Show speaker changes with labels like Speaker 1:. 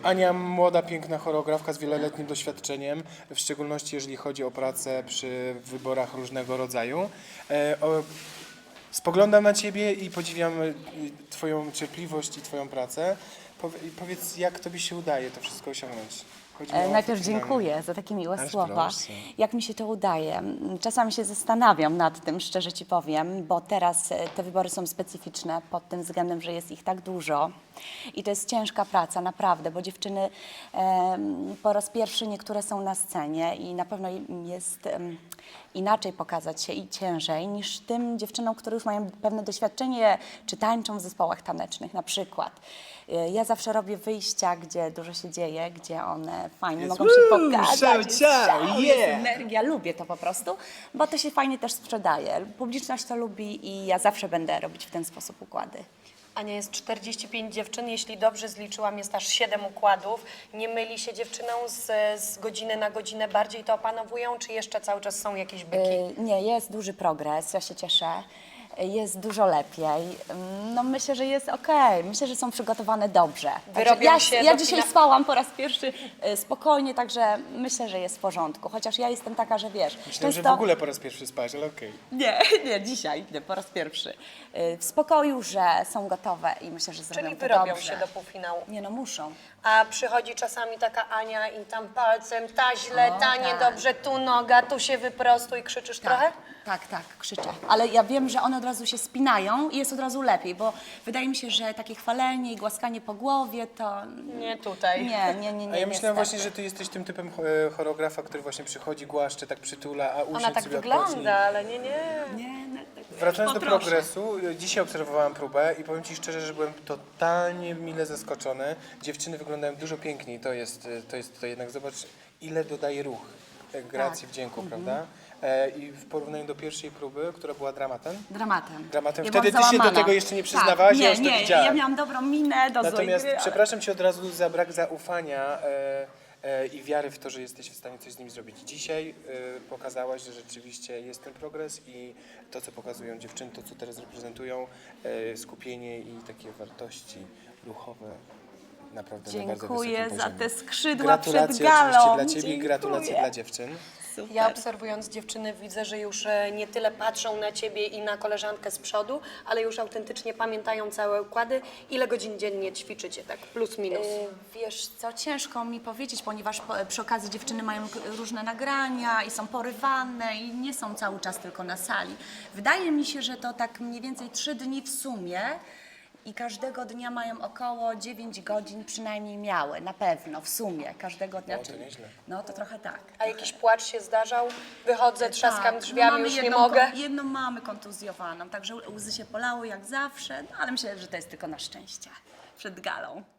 Speaker 1: Ania, młoda, piękna choreografka z wieloletnim doświadczeniem, w szczególności jeżeli chodzi o pracę przy wyborach różnego rodzaju. Spoglądam na Ciebie i podziwiam Twoją cierpliwość i Twoją pracę. Powiedz, jak Tobie się udaje to wszystko osiągnąć? Chodzi mi o
Speaker 2: Najpierw
Speaker 1: finalne.
Speaker 2: dziękuję za takie miłe
Speaker 1: Aż
Speaker 2: słowa.
Speaker 1: proszę.
Speaker 2: Jak mi się to udaje? Czasami się zastanawiam nad tym, szczerze Ci powiem, bo teraz te wybory są specyficzne pod tym względem, że jest ich tak dużo. I to jest ciężka praca, naprawdę, bo dziewczyny po raz pierwszy niektóre są na scenie i na pewno im jest inaczej pokazać się i ciężej niż tym dziewczynom, które już mają pewne doświadczenie, czy tańczą w zespołach tanecznych na przykład. Ja zawsze robię wyjścia, gdzie dużo się dzieje, gdzie one fajnie mogą się pokazać. Jest szał, jest energia, lubię to po prostu, bo to się fajnie też sprzedaje. Publiczność to lubi i ja zawsze będę robić w ten sposób układy.
Speaker 3: Ania, jest 45 dziewczyn, jeśli dobrze zliczyłam, jest aż 7 układów. Nie myli się dziewczyną z godziny na godzinę, bardziej to opanowują, czy jeszcze cały czas są jakieś byki?
Speaker 2: Nie, jest duży progres, ja się cieszę. Jest dużo lepiej. No myślę, że jest okej. Myślę, że są przygotowane dobrze.
Speaker 3: Wyrobią się
Speaker 2: ja
Speaker 3: do
Speaker 2: dzisiaj spałam po raz pierwszy spokojnie, także myślę, że jest w porządku. Chociaż ja jestem taka, że wiesz...
Speaker 1: Myślałem, że w ogóle po raz pierwszy spać, ale okej.
Speaker 2: Nie, dzisiaj, nie, po raz pierwszy. W spokoju, że są gotowe i myślę, że zrobią
Speaker 3: Czyli
Speaker 2: to
Speaker 3: wyrobią
Speaker 2: dobrze.
Speaker 3: się do półfinału.
Speaker 2: Nie no, muszą.
Speaker 3: A przychodzi czasami taka Ania i tam palcem, ta źle, ta
Speaker 2: tak.
Speaker 3: niedobrze, tu noga, tu się wyprostuj, krzyczysz trochę?
Speaker 2: Tak, krzyczę. Ale ja wiem, że one od razu się spinają i jest od razu lepiej, bo wydaje mi się, że takie chwalenie i głaskanie po głowie to...
Speaker 3: Nie tutaj.
Speaker 2: Nie.
Speaker 1: A ja myślałem
Speaker 2: niestety.
Speaker 1: właśnie, że Ty jesteś tym typem choreografa, który właśnie przychodzi, głaszcze, tak przytula, a usiądź
Speaker 3: Ona tak
Speaker 1: sobie
Speaker 3: wygląda,
Speaker 1: odpocznij.
Speaker 3: ale nie.
Speaker 1: Wracając do
Speaker 2: Poproszę.
Speaker 1: progresu, dzisiaj obserwowałam próbę i powiem Ci szczerze, że byłem totalnie mile zaskoczony. Dziewczyny wyglądają dużo piękniej, to jest to jednak, zobacz ile dodaje ruch, gracji, wdzięku, prawda? I w porównaniu do pierwszej próby, która była dramatem.
Speaker 2: Dramatem.
Speaker 1: Dramatem.
Speaker 2: Ja
Speaker 1: Wtedy
Speaker 2: byłam
Speaker 1: Ty się do
Speaker 2: załamana.
Speaker 1: tego jeszcze nie przyznawałaś,
Speaker 2: tak,
Speaker 1: ja już to
Speaker 2: nie,
Speaker 1: widziałem.
Speaker 2: ja miałam dobrą minę do
Speaker 1: Natomiast
Speaker 2: złej gry.
Speaker 1: przepraszam Cię od razu za brak zaufania i wiary w to, że jesteś w stanie coś z nimi zrobić. Dzisiaj pokazałaś, że rzeczywiście jest ten progres i to, co pokazują dziewczyny, to, co teraz reprezentują, skupienie i takie wartości ruchowe, naprawdę na bardzo
Speaker 2: Dziękuję
Speaker 1: wysokim
Speaker 2: za
Speaker 1: poziomie.
Speaker 2: te skrzydła
Speaker 1: Gratulacje
Speaker 2: przed galą.
Speaker 1: oczywiście dla Ciebie i
Speaker 2: Dziękuję.
Speaker 1: gratulacje dla dziewczyn.
Speaker 2: Super.
Speaker 3: Ja obserwując dziewczyny widzę, że już nie tyle patrzą na Ciebie i na koleżankę z przodu, ale już autentycznie pamiętają całe układy. Ile godzin dziennie ćwiczycie, tak plus minus?
Speaker 2: Wiesz co, ciężko mi powiedzieć, ponieważ przy okazji dziewczyny mają różne nagrania i są porywane i nie są cały czas tylko na sali. Wydaje mi się, że to tak mniej więcej 3 dni w sumie i każdego dnia mają około 9 godzin przynajmniej miały, na pewno, w sumie, każdego dnia.
Speaker 1: No, to nieźle.
Speaker 2: No to trochę tak.
Speaker 3: A jakiś płacz się zdarzał? Wychodzę, trzaskam
Speaker 2: Tak,
Speaker 3: drzwiami,
Speaker 2: mamy
Speaker 3: już nie
Speaker 2: jedną
Speaker 3: mogę.
Speaker 2: Jedną mamy kontuzjowaną, także łzy się polały jak zawsze, no ale myślę, że to jest tylko na szczęście przed galą.